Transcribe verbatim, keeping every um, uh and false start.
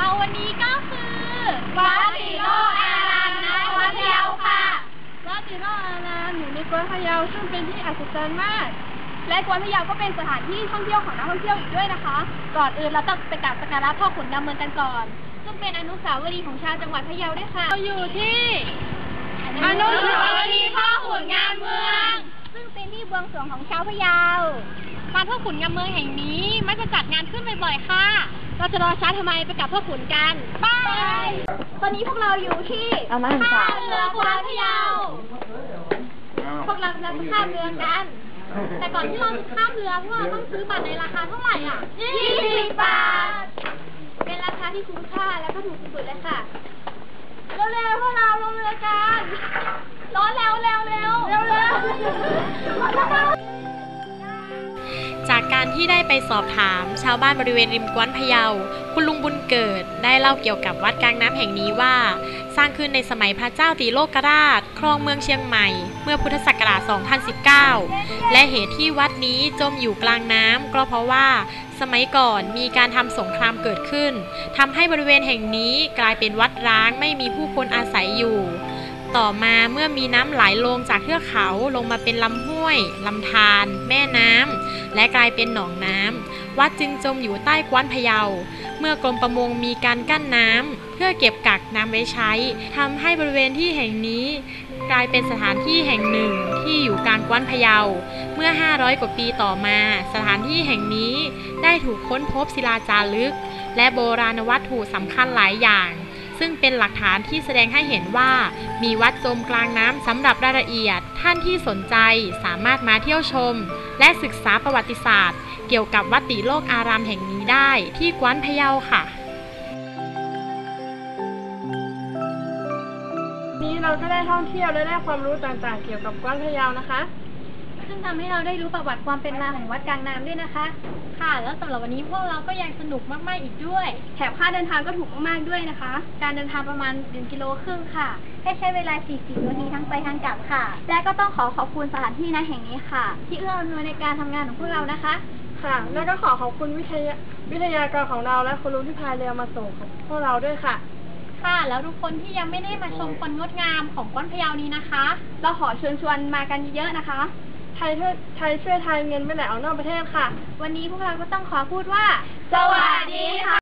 วันนี้ก็คือวัดติโลกอารามณวัดพะเยาค่ะวัดติโลกอารามอยู่ในกวนพะเยาซึ่งเป็นที่อัศจรรย์มากและกวนพะเยาก็เป็นสถานที่ท่องเที่ยวของนักท่องเที่ยวอีกด้วยนะคะก่อนอื่นเราต้องไปกราบสักการะพ่อขุนดำเมืองกันก่อนซึ่งเป็นอนุสาวรีย์ของชาวจังหวัดพะเยาด้วยค่ะเราอยู่ที่อนุสาวรีย์พ่อขุนงามเมืองซึ่งเป็นที่บวงสรวงของชาวพะเยาการพ่อขุนงามเมืองแห่งนี้มักจะจัดงานขึ้นบ่อยๆค่ะเราจะรอช้าทำไมไปกับพ่อขุนกันไปตอนนี้พวกเราอยู่ที่ท่าเรือกวนพะเยาพวกเราจะข้ามเรือกันแต่ก่อนที่เราจะข้ามเรือพวกเราต้องซื้อบัตรในราคาเท่าไหร่อ่ะยี่สิบบาทเป็นราคาที่คุ้มค่าและก็ถูกสุดเลยค่ะเร็วๆพวกเราลงเรือกันร้อนแล้วเร็วๆเร็วเร็วเร็วจากการที่ได้ไปสอบถามชาวบ้านบริเวณริมกวนพะเยาคุณลุงบุญเกิดได้เล่าเกี่ยวกับวัดกลางน้ำแห่งนี้ว่าสร้างขึ้นในสมัยพระเจ้าตีโลกราชครองเมืองเชียงใหม่เมื่อพุทธศักราช สองพันสิบเก้า และเหตุที่วัดนี้จมอยู่กลางน้ำก็เพราะว่าสมัยก่อนมีการทำสงครามเกิดขึ้นทำให้บริเวณแห่งนี้กลายเป็นวัดร้างไม่มีผู้คนอาศัยอยู่ต่อมาเมื่อมีน้ำไหลลงจากเทือกเขาลงมาเป็นลำห้วยลำธารแม่น้ำและกลายเป็นหนองน้ำวัดจึงจมอยู่ใต้กวนพะเยาเมื่อกรมประมงมีการกั้นน้ำเพื่อเก็บกักน้ำไว้ใช้ทำให้บริเวณที่แห่งนี้กลายเป็นสถานที่แห่งหนึ่งที่อยู่กลางกวนพะเยาเมื่อห้าร้อยกว่าปีต่อมาสถานที่แห่งนี้ได้ถูกค้นพบศิลาจารึกและโบราณวัตถุสำคัญหลายอย่างซึ่งเป็นหลักฐานที่แสดงให้เห็นว่ามีวัดจมกลางน้ำสำหรับรายละเอียดท่านที่สนใจสามารถมาเที่ยวชมและศึกษาประวัติศาสตร์เกี่ยวกับวัดติโลกอารามแห่งนี้ได้ที่กวนพะเยาค่ะนี้เราก็ได้ท่องเที่ยวและได้ความรู้ต่างๆเกี่ยวกับกวนพะเยานะคะซึ่งทำให้เราได้รู้ประวัติความเป็นมาของวัดกลางน้ำด้วยนะคะค่ะแล้วสำหรับวันนี้พวกเราก็ยังสนุกมากๆอีกด้วยแถมค่าเดินทางก็ถูกมากๆด้วยนะคะการเดินทางประมาณหนึ่งกิโลครึ่งค่ะให้ใช้เวลาสี่สิบนาทีทั้งไปทั้งกลับค่ะและก็ต้องขอขอบคุณสถานที่ณแห่งนี้ค่ะที่เอื้ออำนวยในการทำงานของพวกเรานะคะค่ะแล้วก็ขอขอบคุณวิทยาวิทยากรของเราและคุณลุงที่พาเรือมาส่งของพวกเราด้วยค่ะค่ะแล้วทุกคนที่ยังไม่ได้มาชมความงดงามของกวนพะเยานี้นะคะเราขอเชิญชวนมากันเยอะๆนะคะไทยไทยช่วยไทยเงินไม่ไหลออกนอกประเทศค่ะวันนี้พวกเราก็ต้องขอพูดว่าสวัสดีค่ะ